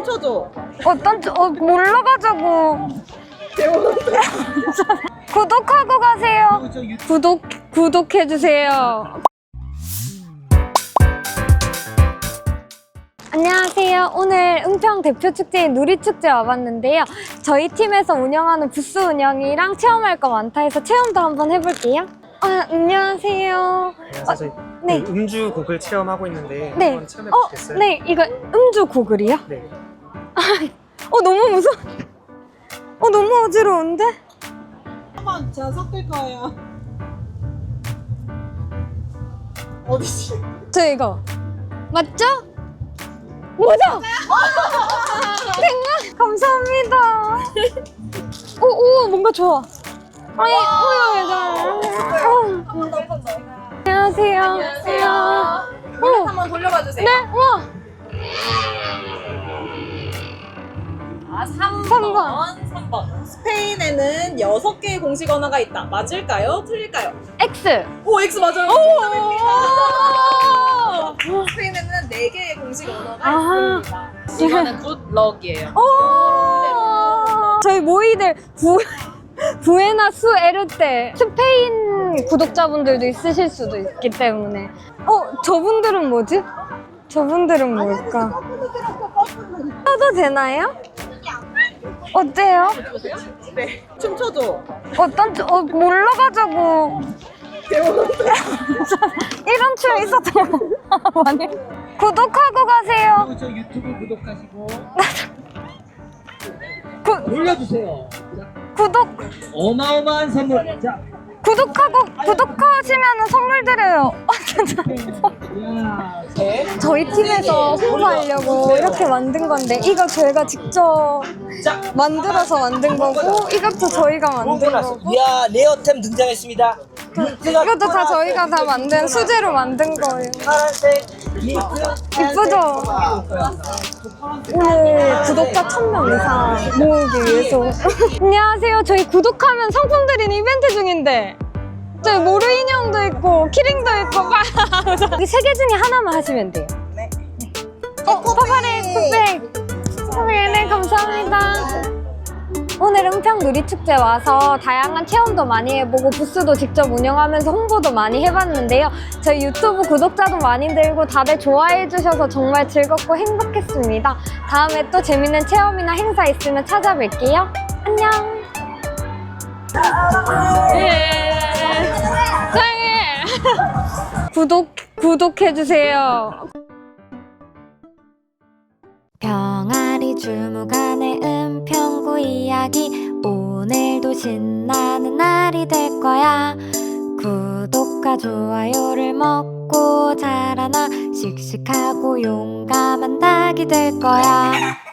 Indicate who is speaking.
Speaker 1: 춤춰줘.
Speaker 2: 몰라가지고. 구독하고 가세요. 구독해주세요. 안녕하세요. 오늘 은평 대표축제인 누리축제 와봤는데요. 저희 팀에서 운영하는 부스 운영이랑 체험할 거 많다 해서 체험도 한번 해볼게요. 안녕하세요.
Speaker 3: 저희
Speaker 2: 네.
Speaker 3: 음주 곡을 체험하고 있는데
Speaker 2: 네.
Speaker 3: 한번 체험해 보시겠어요?
Speaker 2: 네, 이거 음주 고글이요?
Speaker 3: 네.
Speaker 2: 너무 무서워. 너무 어지러운데?
Speaker 1: 한번 제가 섞을 거예요. 어디지?
Speaker 2: 저 이거 맞죠? 맞아! 생각 감사합니다. 오 뭔가 좋아. 아니 안녕하세요. 안녕하세요.
Speaker 1: 볼렛 한번 돌려봐 주세요.
Speaker 2: 네, 우와.
Speaker 1: 3번. 스페인에는 6개의 공식 언어가 있다. 맞을까요? 틀릴까요?
Speaker 2: X.
Speaker 1: 오, X 맞아요. 정답입니다. 스페인에는 4개의 공식 언어가 있습니다. 이거는 굿럭이에요.
Speaker 2: 저희 모이들 부에나스 에르테 스페인 구독자분들도 있으실 수도 있기 때문에 저분들은 뭐지? 저분들은 뭘까? 써도 되나요? 어때요?
Speaker 1: 네, 춤춰줘.
Speaker 2: 몰라가지고 이런 춤 있었던 거 많이 구독하고 가세요.
Speaker 4: 저 유튜브 구독하시고 눌러주세요.
Speaker 2: 구독
Speaker 4: 어마어마한 선물. 자,
Speaker 2: 구독하시면 선물 드려요.
Speaker 4: 이야.
Speaker 2: 저희 팀에서 홍보하려고 이렇게 만든 건데 이거 저희가 직접 만들어서 만든 거고 이것도 저희가 만든 거고
Speaker 4: 이야, 레어템 등장했습니다.
Speaker 2: 이것도 다 저희가 다 만든 수제로 만든 거예요.
Speaker 4: 파란색 링크.
Speaker 2: 이쁘죠? 오늘 구독자 1000명 이상 모으기 위해서 안녕하세요. 저희 구독하면 상품 드리는 이벤트 중인데 저희 모루 인형도 있고 키링도 있고 여기 3개 중에 하나만 하시면 돼요.
Speaker 1: 네.
Speaker 2: 파파레 풋백 네, 감사합니다. 오늘 은평 누리축제 와서 다양한 체험도 많이 해보고 부스도 직접 운영하면서 홍보도 많이 해봤는데요. 저희 유튜브 구독자도 많이 늘고 다들 좋아해 주셔서 정말 즐겁고 행복했습니다. 다음에 또 재밌는 체험이나 행사 있으면 찾아뵐게요. 안녕. 사랑해. 구독해주세요. 병아리 주무관의 은평구 이야기 오늘도 신나는 날이 될 거야. 구독과 좋아요를 먹고 자라나 씩씩하고 용감한 닭이 될 거야.